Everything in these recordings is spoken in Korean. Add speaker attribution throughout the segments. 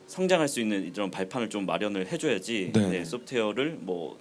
Speaker 1: 성장할 수 있는 이런 발판을 좀 마련을 해줘야지
Speaker 2: 네.
Speaker 1: 네, 소프트웨어를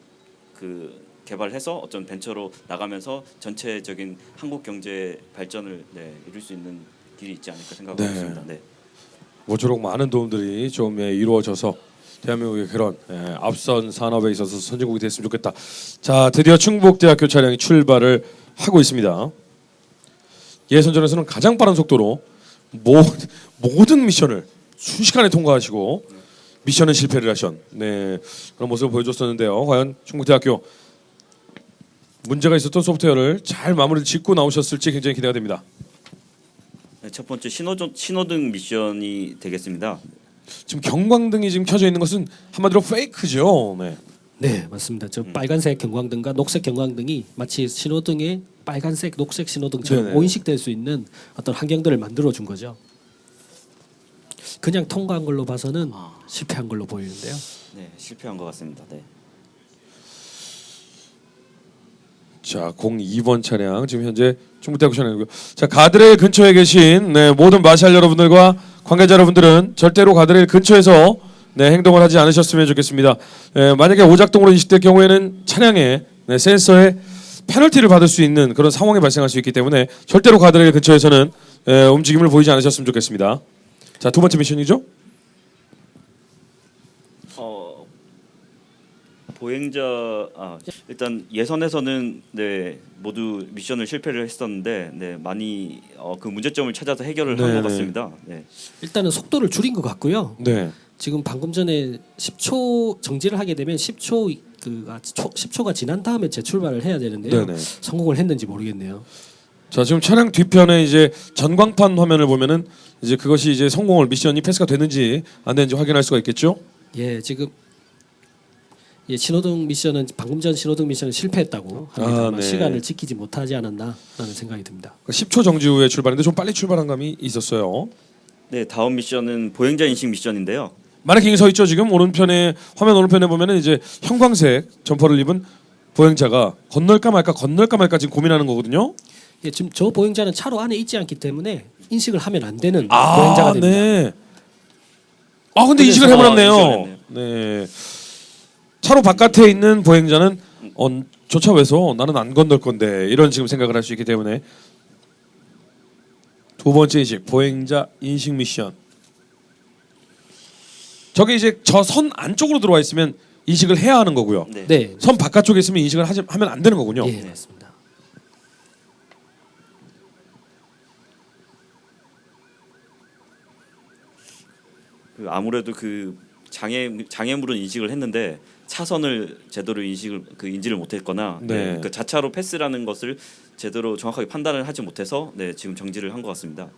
Speaker 1: 개발해서 어떤 벤처로 나가면서 전체적인 한국 경제 발전을 네, 이룰 수 있는 길이 있지 않을까 생각하고
Speaker 2: 네.
Speaker 1: 있습니다. 네.
Speaker 2: 모쪼록 많은 도움들이 좀 이루어져서 대한민국의 그런 앞선 산업에 있어서 선진국이 됐으면 좋겠다. 자, 드디어 충북대학교 차량이 출발을 하고 있습니다. 예선전에서는 가장 빠른 속도로 모든 미션을 순식간에 통과하시고 미션은 실패를 하신 그런 모습을 보여줬었는데요. 과연 충북대학교 문제가 있었던 소프트웨어를 잘 마무리 짓고 나오셨을지 굉장히 기대가 됩니다.
Speaker 1: 네, 첫 번째 신호등 미션이 되겠습니다.
Speaker 2: 지금 경광등이 지금 켜져 있는 것은 한마디로 페이크죠. 네.
Speaker 3: 네, 맞습니다. 저 빨간색 경광등과 녹색 경광등이 마치 신호등의 빨간색, 녹색 신호등처럼
Speaker 2: 네네.
Speaker 3: 오인식될 수 있는 어떤 환경들을 만들어 준 거죠. 그냥 통과한 걸로 봐서는 실패한 걸로 보이는데요.
Speaker 1: 네, 실패한 것 같습니다. 네.
Speaker 2: 자, 02번 차량 지금 현재 충북대학교 차량이고요. 자, 가드레일 근처에 계신 모든 마샬 여러분들과 관계자 여러분들은 절대로 가드레일 근처에서 행동을 하지 않으셨으면 좋겠습니다. 만약에 오작동으로 인식될 경우에는 차량에 센서에 페널티를 받을 수 있는 그런 상황이 발생할 수 있기 때문에 절대로 가드레일 근처에서는 움직임을 보이지 않으셨으면 좋겠습니다. 자, 두 번째 미션이죠?
Speaker 1: 보행자 일단 예선에서는 네, 모두 미션을 실패를 했었는데 네, 많이 그 문제점을 찾아서 해결을 한
Speaker 2: 네네.
Speaker 1: 것 같습니다. 네.
Speaker 3: 일단은 속도를 줄인 것 같고요.
Speaker 2: 네.
Speaker 3: 지금 방금 전에 10초 정지를 하게 되면 10초가 지난 다음에 재출발을 해야 되는데요.
Speaker 2: 네네.
Speaker 3: 성공을 했는지 모르겠네요.
Speaker 2: 자, 지금 차량 뒤편에 이제 전광판 화면을 보면은 이제 그것이 이제 성공을 미션이 패스가 되는지 안 되는지 확인할 수가 있겠죠?
Speaker 3: 예, 지금 신호등 미션은 방금 전 신호등 미션은 실패했다고 합니다만
Speaker 2: 네.
Speaker 3: 시간을 지키지 못하지 않았나라는 생각이 듭니다.
Speaker 2: 10초 정지 후에 출발인데 좀 빨리 출발한 감이 있었어요.
Speaker 1: 네, 다음 미션은 보행자 인식 미션인데요.
Speaker 2: 마네킹이 서 있죠. 지금 오른편에 화면 오른편에 보면은 이제 형광색 점퍼를 입은 보행자가 건널까 말까 지금 고민하는 거거든요.
Speaker 3: 예, 지금 저 보행자는 차로 안에 있지 않기 때문에 인식을 하면 안 되는 보행자가 됩니다.
Speaker 2: 네. 아, 근데 인식을
Speaker 1: 인식을
Speaker 2: 해버렸네요.
Speaker 1: 했네요.
Speaker 2: 네. 차로 바깥에 있는 보행자는 저 차 왜서 나는 안 건널 건데 이런 지금 생각을 할 수 있기 때문에 두 번째 인식 보행자 인식 미션. 저게 이제 저 선 안쪽으로 들어와 있으면 인식을 해야 하는 거고요.
Speaker 1: 네.
Speaker 3: 네,
Speaker 2: 선 바깥쪽에 있으면 인식을 하면 안 되는 거군요.
Speaker 3: 예, 맞습니다.
Speaker 1: 아무래도 그 장애물은 인식을 했는데 차선을 제대로 인지를 못했거나
Speaker 2: 네.
Speaker 1: 그 자차로 패스라는 것을 제대로 정확하게 판단을 하지 못해서 네, 지금 정지를 한 것 같습니다.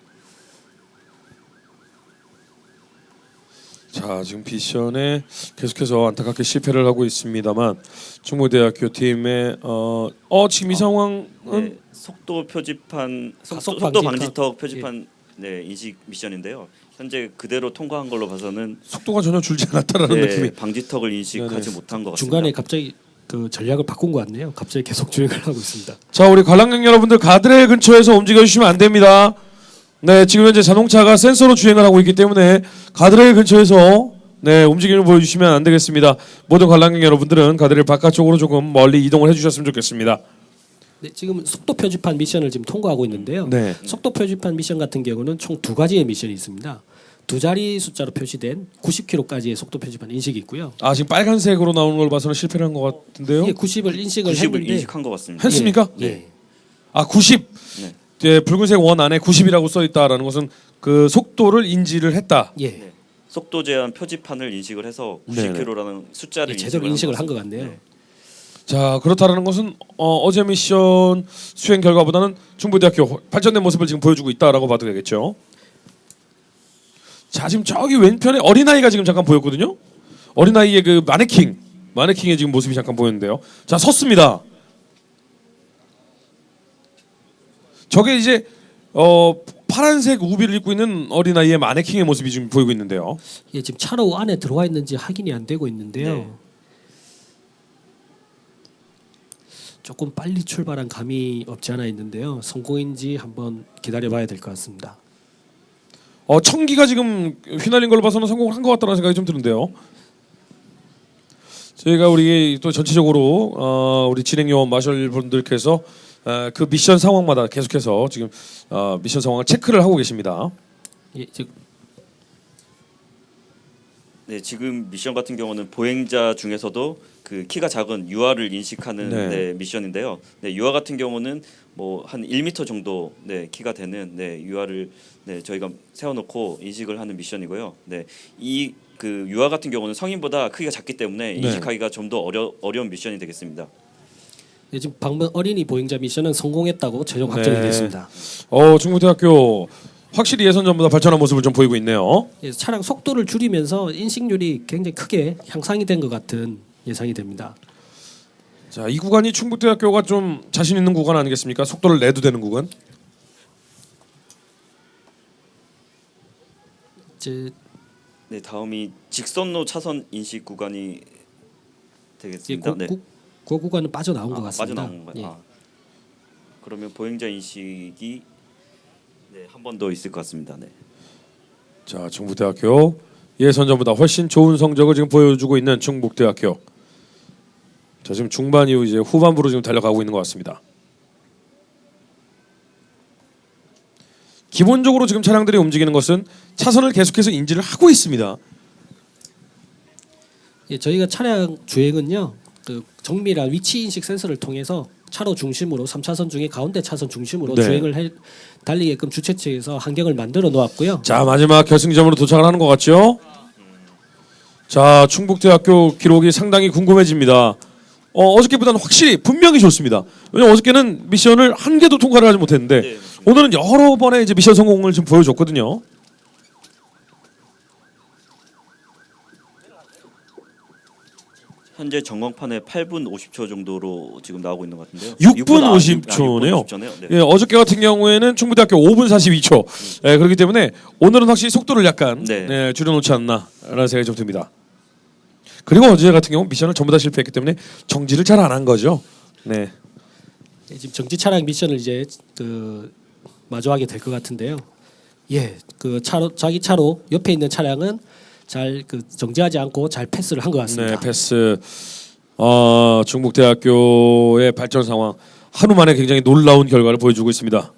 Speaker 2: 자, 지금 미션에 계속해서 안타깝게 실패를 하고 있습니다만 충북대학교 팀의 지금 이 상황은
Speaker 1: 네, 속도 표지판
Speaker 3: 가속
Speaker 1: 속도
Speaker 3: 방지턱.
Speaker 1: 방지턱 표지판 네, 인식 미션인데요. 현재 그대로 통과한 걸로 봐서는
Speaker 2: 속도가 전혀 줄지 않았다라는
Speaker 1: 네,
Speaker 2: 느낌이.
Speaker 1: 방지턱을 인식하지
Speaker 2: 네네.
Speaker 1: 못한 것 같습니다.
Speaker 3: 중간에 갑자기 그 전략을 바꾼 것 같네요. 갑자기 계속 주행을 하고 있습니다.
Speaker 2: 자, 우리 관람객 여러분들 가드레일 근처에서 움직여 주시면 안 됩니다. 네, 지금 현재 자동차가 센서로 주행을 하고 있기 때문에 가드레일 근처에서 움직임을 보여주시면 안 되겠습니다. 모든 관람객 여러분들은 가드레일 바깥쪽으로 조금 멀리 이동을 해주셨으면 좋겠습니다.
Speaker 3: 네, 지금 속도 표지판 미션을 지금 통과하고 있는데요.
Speaker 2: 네.
Speaker 3: 속도 표지판 미션 같은 경우는 총 두 가지의 미션이 있습니다. 두 자리 숫자로 표시된 90km까지의 속도 표지판 인식이 있고요.
Speaker 2: 아, 지금 빨간색으로 나오는 걸 봐서는 실패를 한 것 같은데요.
Speaker 3: 이게 90을 인식을
Speaker 1: 90을
Speaker 3: 했는데
Speaker 1: 인식한 것 같습니다.
Speaker 2: 했습니까?
Speaker 3: 예.
Speaker 2: 아, 90.
Speaker 1: 네.
Speaker 2: 예, 붉은색 원 안에 90이라고 써 있다라는 것은 그 속도를 인지를 했다.
Speaker 3: 예.
Speaker 1: 네. 속도 제한 표지판을 인식을 해서
Speaker 2: 네네.
Speaker 1: 90km라는 숫자를
Speaker 3: 예, 제대로 인식을 한 것
Speaker 1: 같습니다.
Speaker 3: 같네요.
Speaker 1: 네.
Speaker 2: 자, 그렇다라는 것은 어제 미션 수행 결과보다는 충북대학교 발전된 모습을 지금 보여주고 있다라고 봐도 되겠죠. 자, 지금 저기 왼편에 어린아이가 지금 잠깐 보였거든요. 어린아이의 그 마네킹의 지금 모습이 잠깐 보였는데요. 자, 섰습니다. 저게 이제 파란색 우비를 입고 있는 어린아이의 마네킹의 모습이 지금 보이고 있는데요.
Speaker 3: 예, 지금 차로 안에 들어와 있는지 확인이 안 되고 있는데요.
Speaker 1: 네.
Speaker 3: 조금 빨리 출발한 감이 없지 않아 있는데요. 성공인지 한번 기다려봐야 될 것 같습니다.
Speaker 2: 청기가 지금 휘날린 걸로 봐서는 성공을 한 것 같다는 생각이 좀 드는데요. 저희가 우리 또 전체적으로 우리 진행 요원 마셜 분들께서 그 미션 상황마다 계속해서 지금 미션 상황을 체크를 하고 계십니다.
Speaker 3: 예,
Speaker 1: 네, 지금 미션 같은 경우는 보행자 중에서도 그 키가 작은 유아를 인식하는
Speaker 2: 네.
Speaker 1: 네, 미션인데요. 네, 유아 같은 경우는 뭐 한 1m 정도 네, 키가 되는 네, 유아를 네, 저희가 세워놓고 인식을 하는 미션이고요. 네, 이 그 유아 같은 경우는 성인보다 크기가 작기 때문에
Speaker 2: 네.
Speaker 1: 인식하기가 좀 더 어려운 미션이 되겠습니다.
Speaker 3: 예, 지금 방금 어린이 보행자 미션은 성공했다고 최종 확정이
Speaker 2: 네.
Speaker 3: 됐습니다.
Speaker 2: 중부대학교 확실히 예선 전보다 발전한 모습을 좀 보이고 있네요.
Speaker 3: 예, 차량 속도를 줄이면서 인식률이 굉장히 크게 향상이 된 것 같은 예상이 됩니다.
Speaker 2: 자, 이 구간이 충북대학교가 좀 자신 있는 구간 아니겠습니까? 속도를 내도 되는 구간.
Speaker 3: 이제
Speaker 1: 네, 다음이 직선로 차선 인식 구간이 되겠습니다. 네.
Speaker 3: 그 구간은 빠져나온 것 같습니다.
Speaker 1: 빠져나온 건가요?
Speaker 3: 예.
Speaker 1: 그러면 보행자 인식이 네, 한 번 더 있을 것 같습니다. 네.
Speaker 2: 자, 충북대학교 예선 전보다 훨씬 좋은 성적을 지금 보여주고 있는 충북대학교. 자, 지금 중반 이후 이제 후반부로 지금 달려가고 있는 것 같습니다. 기본적으로 지금 차량들이 움직이는 것은 차선을 계속해서 인지를 하고 있습니다.
Speaker 3: 예, 저희가 차량 주행은요, 그 정밀한 위치 인식 센서를 통해서 차로 중심으로 3차선 중에 가운데 차선 중심으로
Speaker 2: 네.
Speaker 3: 주행을 달리게끔 주최 측에서 환경을 만들어 놓았고요.
Speaker 2: 자, 마지막 결승점으로 도착을 하는 것 같죠? 자, 충북대학교 기록이 상당히 궁금해집니다. 어저께보다는 확실히 분명히 좋습니다. 왜냐면 어저께는 미션을 한 개도 통과를 하지 못했는데
Speaker 1: 네.
Speaker 2: 오늘은 여러 번의 이제 미션 성공을 좀 보여줬거든요.
Speaker 1: 현재 전광판에 8분 50초 정도로 지금 나오고 있는 것 같은데요.
Speaker 2: 6분
Speaker 1: 6분
Speaker 2: 50초네요.
Speaker 1: 50초네요. 네.
Speaker 2: 예, 어저께 같은 경우에는 충북대학교 5분 42초. 예, 그렇기 때문에 오늘은 확실히 속도를 약간
Speaker 1: 네.
Speaker 2: 줄여놓지 않나라는 생각이 좀 듭니다. 그리고 어제 같은 경우 미션을 전부 다 실패했기 때문에 정지를 잘 안 한 거죠. 네.
Speaker 3: 예, 지금 정지 차량 미션을 이제 그 마주하게 될 것 같은데요. 예, 그 차로 자기 차로 옆에 있는 차량은 잘 그 정지하지 않고 잘 패스를 한 것 같습니다.
Speaker 2: 네, 패스. 충북대학교의 발전 상황 하루 만에 굉장히 놀라운 결과를 보여주고 있습니다.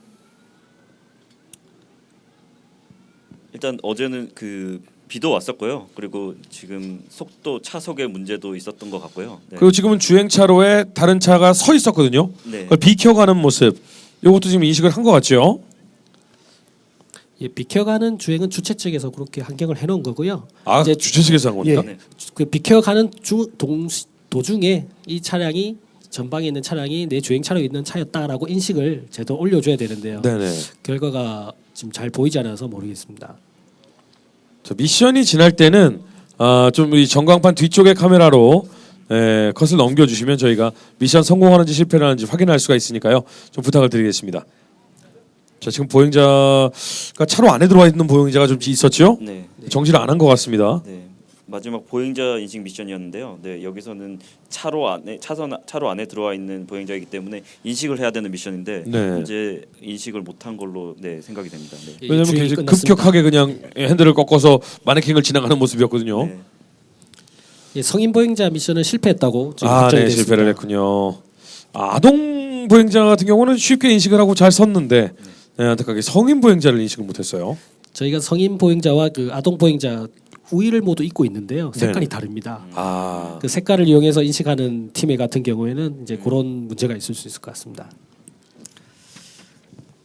Speaker 1: 일단 어제는 그 비도 왔었고요. 그리고 지금 속도 차속의 문제도 있었던 것 같고요. 네.
Speaker 2: 그리고 지금은 주행차로에 다른 차가 서 있었거든요.
Speaker 1: 네.
Speaker 2: 그걸 비켜가는 모습. 이것도 지금 인식을 한 것 같죠.
Speaker 3: 예, 비켜가는 주행은 주최 측에서 그렇게 환경을 해놓은 거고요.
Speaker 2: 아,
Speaker 3: 이제
Speaker 2: 주최 측에서 한 겁니까?
Speaker 3: 예,
Speaker 1: 네.
Speaker 3: 그 비켜가는 도중에 이 차량이 전방에 있는 차량이 내 주행차로 있는 차였다라고 인식을 제도 올려줘야 되는데요.
Speaker 2: 네네.
Speaker 3: 결과가 지금 잘 보이지 않아서 모르겠습니다.
Speaker 2: 자, 미션이 지날 때는 좀 이 전광판 뒤쪽의 카메라로 컷을 넘겨주시면 저희가 미션 성공하는지 실패를 하는지 확인할 수가 있으니까요. 좀 부탁을 드리겠습니다. 자, 지금 보행자가 차로 안에 들어와 있는 보행자가 좀 있었죠?
Speaker 1: 네.
Speaker 2: 정지를 안 한 것 같습니다.
Speaker 1: 네. 마지막 보행자 인식 미션이었는데요. 네, 여기서는 차로 안에 들어와 있는 보행자이기 때문에 인식을 해야 되는 미션인데
Speaker 2: 네.
Speaker 1: 현재 인식을 못한 걸로 네, 생각이 됩니다. 네.
Speaker 3: 예,
Speaker 2: 왜냐면
Speaker 3: 주행이
Speaker 2: 굉장히
Speaker 3: 끝났습니다.
Speaker 2: 급격하게 그냥 핸들을 꺾어서 마네킹을 지나가는 모습이었거든요.
Speaker 1: 네.
Speaker 3: 예, 성인 보행자 미션은 실패했다고 지금
Speaker 2: 네,
Speaker 3: 확정이 됐습니다.
Speaker 2: 실패를 했군요. 아동 보행자 같은 경우는 쉽게 인식을 하고 잘 섰는데 안타깝게 성인 보행자를 인식을 못했어요.
Speaker 3: 저희가 성인 보행자와 그 아동 보행자 우위를 모두 입고 있는데요. 색깔이
Speaker 2: 네.
Speaker 3: 다릅니다.
Speaker 2: 아,
Speaker 3: 그 색깔을 이용해서 인식하는 팀의 같은 경우에는 이제 그런 문제가 있을 수 있을 것 같습니다.